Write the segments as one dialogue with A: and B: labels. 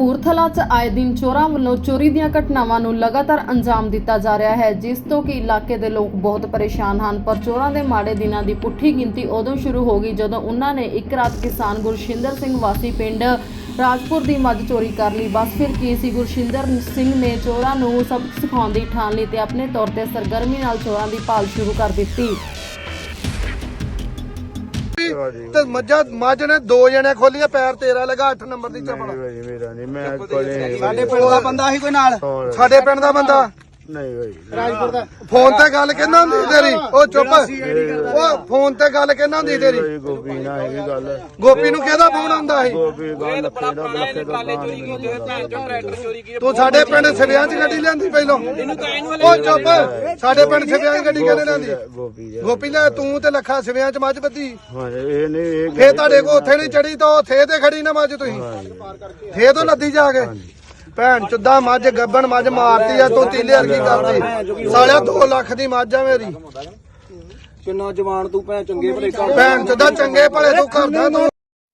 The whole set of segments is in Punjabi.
A: ਕਪੂਰਥਲਾ 'ਚ ਆਏ ਦਿਨ ਚੋਰਾਂ ਵੱਲੋਂ ਚੋਰੀ ਦੀਆਂ ਘਟਨਾਵਾਂ ਨੂੰ ਲਗਾਤਾਰ ਅੰਜਾਮ ਦਿੱਤਾ ਜਾ ਰਿਹਾ ਹੈ, ਜਿਸ ਤੋਂ ਕਿ ਇਲਾਕੇ ਦੇ ਲੋਕ ਬਹੁਤ ਪਰੇਸ਼ਾਨ ਹਨ। ਪਰ ਚੋਰਾਂ ਦੇ ਮਾੜੇ ਦਿਨਾਂ ਦੀ ਪੁੱਠੀ ਗਿਣਤੀ ਉਦੋਂ ਸ਼ੁਰੂ ਹੋ ਗਈ ਜਦੋਂ ਉਹਨਾਂ ਨੇ ਇੱਕ ਰਾਤ ਕਿਸਾਨ ਗੁਰਸ਼ਿੰਦਰ ਸਿੰਘ ਵਾਸੀ ਪਿੰਡ ਰਾਜਪੁਰ ਦੀ ਮੱਝ ਚੋਰੀ ਕਰ ਲਈ। ਬਸ ਫਿਰ ਕੀ ਸੀ, ਗੁਰਸ਼ਿੰਦਰ ਸਿੰਘ ਨੇ ਚੋਰਾਂ ਨੂੰ ਸਬਕ ਸਿਖਾਉਣ ਦੀ ਠਾਣ ਲਈ ਤੇ ਆਪਣੇ ਤੌਰ ਤੇ ਸਰਗਰਮੀ ਨਾਲ ਚੋਰਾਂ ਦੀ ਭਾਲ ਸ਼ੁਰੂ ਕਰ ਦਿੱਤੀ।
B: ਤੇ ਮੱਝ ਨੇ 2 ਜਣੇ ਖੋਲੀਆਂ, ਪੈਰ ਤੇਰਾ ਲਗਾ 8 ਨੰਬਰ ਦੀ ਚੱਪਲ।
C: ਮੇਰਾ ਨਹੀਂ, ਮੈਂ ਕੋਲੇ
B: ਸਾਡੇ ਪਿੰਡ ਦਾ ਬੰਦਾ ਸੀ ਕੋਈ ਨਾਲ, ਸਾਡੇ ਪਿੰਡ ਦਾ ਬੰਦਾ
C: ਨਹੀਂ ਭਾਈ
B: ਰਾਜਪੁਰ ਦਾ। ਫੋਨ ਤੇ ਗੱਲ ਕਹਿੰਦਾ ਹੁੰਦੀ ਤੇਰੀ, ਉਹ ਚੁੱਪ, ਉਹ ਫੋਨ ਤੇ ਗੱਲ ਕਹਿੰਦਾ ਹੁੰਦੀ ਤੇਰੀ।
C: ਗੋਪੀ ਨਾਲ ਹੈਗੀ ਗੱਲ।
B: ਗੋਪੀ ਨੂੰ ਕਿਹਦਾ ਫੋਨ ਆਉਂਦਾ ਸੀ?
C: ਗੋਪੀ ਗੱਲ ਲੱਖੇ ਦਾ
B: ਤੂੰ ਸਾਡੇ ਪਿੰਡ ਸਿਵਿਆਂ 'ਚ ਗੱਡੀ ਲਿਆਂਦੀ ਪਹਿਲੋਂ। ਉਹ ਚੁੱਪ, ਸਾਡੇ ਪਿੰਡ ਸਿਵਿਆਂ 'ਚ ਗੱਡੀ ਕਿਹਨੇ ਲਿਆਂਦੀ? ਗੋਪੀ ਲੈ, ਤੂੰ ਤੇ ਲੱਖਾ ਸਿਵਿਆਂ 'ਚ ਮੱਝ ਬੱਧੀ।
C: ਇਹ ਨਹੀਂ,
B: ਫੇਰ ਤੁਹਾਡੇ ਕੋ ਉੱਥੇ ਨਹੀਂ ਚੜੀ ਤਾਂ ਥੇ ਤੇ ਖੜੀ ਨਾ ਮੱਝ, ਤੁਸੀਂ ਥੇ ਤੋਂ ਲੱਦੀ ਜਾ ਕੇ। ਭੈਣ ਚੁੱਦਾ ਮੱਝ ਗੱਬਣ ਮੱਝ ਮਾਰਤੀ ਆ ਤੂੰ, ਤੀਲੇ ਵਰਗੀ ਕਰਦੀ ਸਾਲਿਆ। 2 ਲੱਖ ਦੀ ਮੱਝ ਆ ਮੇਰੀ।
D: ਕਿੰਨਾ ਜਵਾਨ ਤੂੰ, ਭੈਣ ਚੰਗੇ ਭਲੇ
B: ਭੈਣ ਚੁੱਦਾ ਚੰਗੇ ਭਲੇ ਤੂੰ ਕਰਦਾ ਤੂੰ।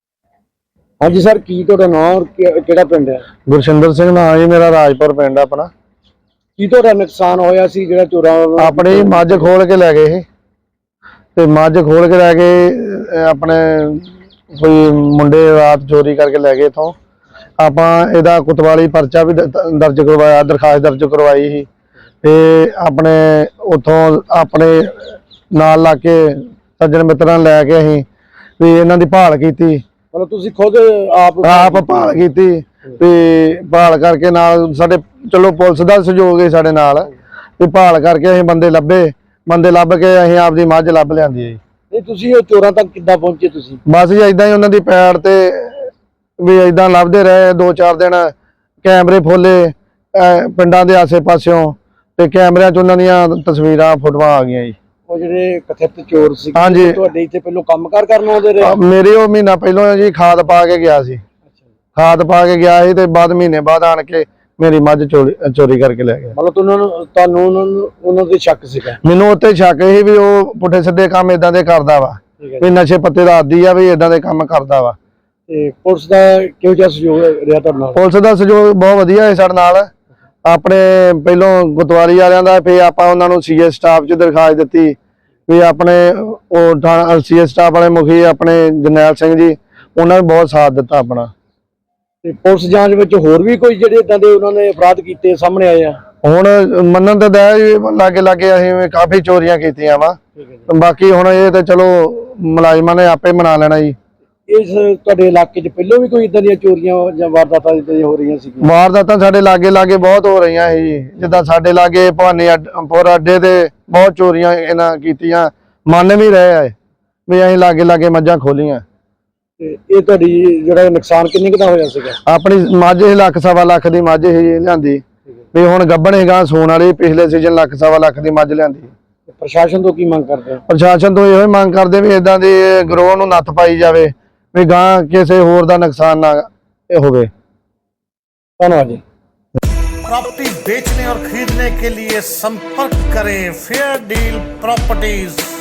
D: ਹਾਂਜੀ ਸਰ, ਕੀ ਤੁਹਾਡਾ ਨਾਮ, ਕਿਹੜਾ ਪਿੰਡ ਹੈ?
C: ਗੁਰਸ਼ਿੰਦਰ ਸਿੰਘ ਨਾਮ ਜੀ ਮੇਰਾ, ਰਾਜਪੁਰ ਪਿੰਡ ਆਪਣਾ।
D: ਕੀ ਤੁਹਾਡਾ ਨੁਕਸਾਨ ਹੋਇਆ ਸੀ ਜਿਹੜਾ ਚੋਰਾਂ ਵੱਲੋਂ?
C: ਆਪਣੀ ਮੱਝ ਖੋਲ ਕੇ ਲੈ ਗਏ ਤੇ ਮੱਝ ਖੋਲ ਕੇ ਲੈ ਕੇ ਆਪਣੇ ਕੋਈ ਮੁੰਡੇ ਰਾਤ ਚੋਰੀ ਕਰਕੇ ਲੈ ਗਏ ਇਥੋਂ। ਆਪਾਂ ਇਹਦਾ ਕੁਤਵਾਲੀ ਪਰਚਾ ਵੀ ਦਰਜ ਕਰਵਾਇਆ, ਦਰਖਾਸਤ ਦਰਜ ਕਰਵਾਈ ਸੀ ਤੇ ਆਪਣੇ ਉਥੋਂ ਆਪਣੇ ਨਾਲ ਲਾ ਕੇ ਸੱਜਣ ਮਿੱਤਰਾਂ ਲੈ ਕੇ ਅਸੀਂ ਵੀ ਇਹਨਾਂ ਦੀ ਭਾਲ ਕੀਤੀ।
D: ਮਤਲਬ ਤੁਸੀਂ ਖੁਦ
C: ਆਪ ਭਾਲ ਕੀਤੀ ਤੇ ਭਾਲ ਕਰਕੇ ਨਾਲ ਸਾਡੇ ਚਲੋ ਪੁਲਿਸ ਦਾ ਸਹਿਯੋਗ ਹੈ ਸਾਡੇ ਨਾਲ, ਤੇ ਭਾਲ ਕਰਕੇ ਅਸੀਂ ਬੰਦੇ ਲੱਭ ਕੇ ਅਸੀਂ ਆਪਦੀ ਮੱਝ ਲੱਭ ਲਿਆਂਦੀ ਹੈ ਜੀ।
D: ਨਹੀਂ, ਤੁਸੀਂ ਉਹ ਚੋਰਾਂ ਤੱਕ ਕਿੱਦਾਂ ਪਹੁੰਚੇ ਤੁਸੀਂ?
C: ਬਸ ਜੀ ਏਦਾਂ ਹੀ ਉਹਨਾਂ ਦੀ ਪੈੜ ਤੇ ਵੀ ਏਦਾਂ ਲੱਭਦੇ ਰਹੇ 2-4 ਦਿਨ। ਕੈਮਰੇ ਫੋਲੇ ਪਿੰਡਾਂ ਦੇ ਆਸੇ ਪਾਸਿਓਂ ਤੇ ਕੈਮਰਿਆਂ 'ਚ ਉਹਨਾਂ ਦੀਆਂ ਤਸਵੀਰਾਂ ਫੋਟੋਆਂ ਆ ਗਈਆਂ ਜੀ।
D: ਉਹ ਜਿਹੜੇ ਕਥਿਤ ਚੋਰ ਸੀ,
C: ਹਾਂਜੀ,
D: ਤੁਹਾਡੇ ਇੱਥੇ ਪਹਿਲੋਂ ਕੰਮਕਾਰ ਕਰਨ ਆਉਂਦੇ ਰਹੇ?
C: ਮੇਰੇ ਉਹ ਮਹੀਨਾ ਪਹਿਲਾਂ ਜੀ ਖਾਦ ਪਾ ਕੇ ਗਿਆ ਸੀ, ਤੇ ਬਾਅਦ ਮਹੀਨੇ ਬਾਅਦ ਆਣ ਕੇ ਮੇਰੀ ਮੱਝ ਚੋਰੀ ਕਰਕੇ ਲੈ ਗਿਆ।
D: ਮਤਲਬ ਤੁਹਾਨੂੰ ਉਹਨਾਂ ਦੇ ਸ਼ੱਕ ਸੀਗਾ?
C: ਮੈਨੂੰ ਉੱਤੇ ਸ਼ੱਕ ਸੀ ਵੀ ਉਹ ਪੁੱਠੇ ਸਿੱਧੇ ਕੰਮ ਏਦਾਂ ਦੇ ਕਰਦਾ ਵਾ, ਵੀ ਨਸ਼ੇ ਪੱਤੇ ਦਾ ਆਦੀ ਆ, ਵੀ ਏਦਾਂ ਦੇ ਕੰਮ ਕਰਦਾ ਵਾ।
D: ਤੇ ਪੁਲਿਸ ਦਾ ਕਿਹੋ ਜਿਹਾ ਸਹਿਯੋਗ ਰਿਹਾ ਤੁਹਾਡੇ ਨਾਲ?
C: ਪੁਲਿਸ ਦਾ ਸਹਿਯੋਗ ਬਹੁਤ ਵਧੀਆ ਹੈ ਸਾਡੇ ਨਾਲ। ਆਪਣੇ ਪਹਿਲੋਂ ਗੁਰਦੁਆਰੇ ਵਾਲਿਆਂ ਦਾ, ਫਿਰ ਆਪਾਂ ਉਹਨਾਂ ਨੂੰ ਸੀਏ ਸਟਾਫ 'ਚ ਦਰਖਾਸਤ ਦਿੱਤੀ ਵੀ ਆਪਣੇ ਉਹ ਸੀਏ ਸਟਾਫ ਵਾਲੇ ਮੁਖੀ ਆਪਣੇ ਜਰਨੈਲ ਸਿੰਘ ਜੀ, ਉਹਨਾਂ ਨੇ ਬਹੁਤ ਸਾਥ ਦਿੱਤਾ ਆਪਣਾ।
D: ਤੇ ਪੁਲਿਸ ਜਾਂਚ ਵਿੱਚ ਹੋਰ ਵੀ ਕੋਈ ਜਿਹੜੇ ਇਦਾਂ ਦੇ ਉਹਨਾਂ ਨੇ ਅਪਰਾਧ ਕੀਤੇ ਸਾਹਮਣੇ ਆਏ ਆ?
C: ਹੁਣ ਮੰਨਣ ਤਾਂ ਲਾਗੇ ਅਸੀਂ ਕਾਫੀ ਚੋਰੀਆਂ ਕੀਤੀਆਂ ਵਾ, ਬਾਕੀ ਹੁਣ ਇਹ ਤਾਂ ਚਲੋ ਮੁਲਾਜ਼ਮਾਂ ਨੇ ਆਪੇ ਮਨਾ ਲੈਣਾ ਜੀ।
D: ਇਸ ਤੁਹਾਡੇ ਇਲਾਕੇ 'ਚ ਪਹਿਲਾਂ ਵੀ ਕੋਈ ਇਦਾਂ ਦੀਆਂ ਚੋਰੀਆਂ ਜਾਂ ਵਾਰਦਾਤਾਂ ਹੋ ਰਹੀਆਂ ਸੀ?
C: ਵਾਰਦਾਤਾਂ ਸਾਡੇ ਲਾਗੇ ਬਹੁਤ ਹੋ ਰਹੀਆਂ ਸੀ, ਜਿੱਦਾਂ ਸਾਡੇ ਲਾਗੇ ਭਵਾਨੀਪੁਰ ਅੱਡੇ ਤੇ ਬਹੁਤ ਚੋਰੀਆਂ ਇਹਨਾਂ ਕੀਤੀਆਂ। ਮੰਨ ਵੀ ਰਹੇ ਆ ਵੀ ਅਸੀਂ ਲਾਗੇ ਮੱਝਾਂ ਖੋਲੀਆਂ।
D: ਤੇ ਇਹ ਤੁਹਾਡੀ ਜਿਹੜਾ ਨੁਕਸਾਨ ਕਿੰਨੇ ਕੁ ਦਾ ਹੋਇਆ ਸੀਗਾ?
C: ਆਪਣੀ ਮੱਝ 1.5 ਲੱਖ ਦੀ ਮੱਝ ਹੀ ਲਿਆਂਦੀ, ਵੀ ਹੁਣ ਗੱਭਣ ਹੈਗਾ ਸੂਣ ਵਾਲੀ। ਪਿਛਲੇ ਸੀਜ਼ਨ 1.5 ਲੱਖ ਦੀ ਮੱਝ ਲਿਆਂਦੀ।
D: ਪ੍ਰਸ਼ਾਸਨ ਤੋਂ ਕੀ ਮੰਗ ਕਰਦੇ ਹੋ?
C: ਪ੍ਰਸ਼ਾਸਨ ਤੋਂ ਇਹੋ ਹੀ ਮੰਗ ਕਰਦੇ ਵੀ ਇਦਾਂ ਦੇ ਗਰੋਹ ਨੂੰ ਨੱਥ ਪਾਈ ਜਾਵੇ, ਵੀ ਗਾਂ ਕਿਸੇ ਹੋਰ ਦਾ ਨੁਕਸਾਨ ਨਾ ਹੋਵੇ।
D: ਧੰਨਵਾਦ ਜੀ।
E: प्रॉपर्टी बेचने और खरीदने के लिए संपर्क करें फेयर डील प्रॉपर्टीज।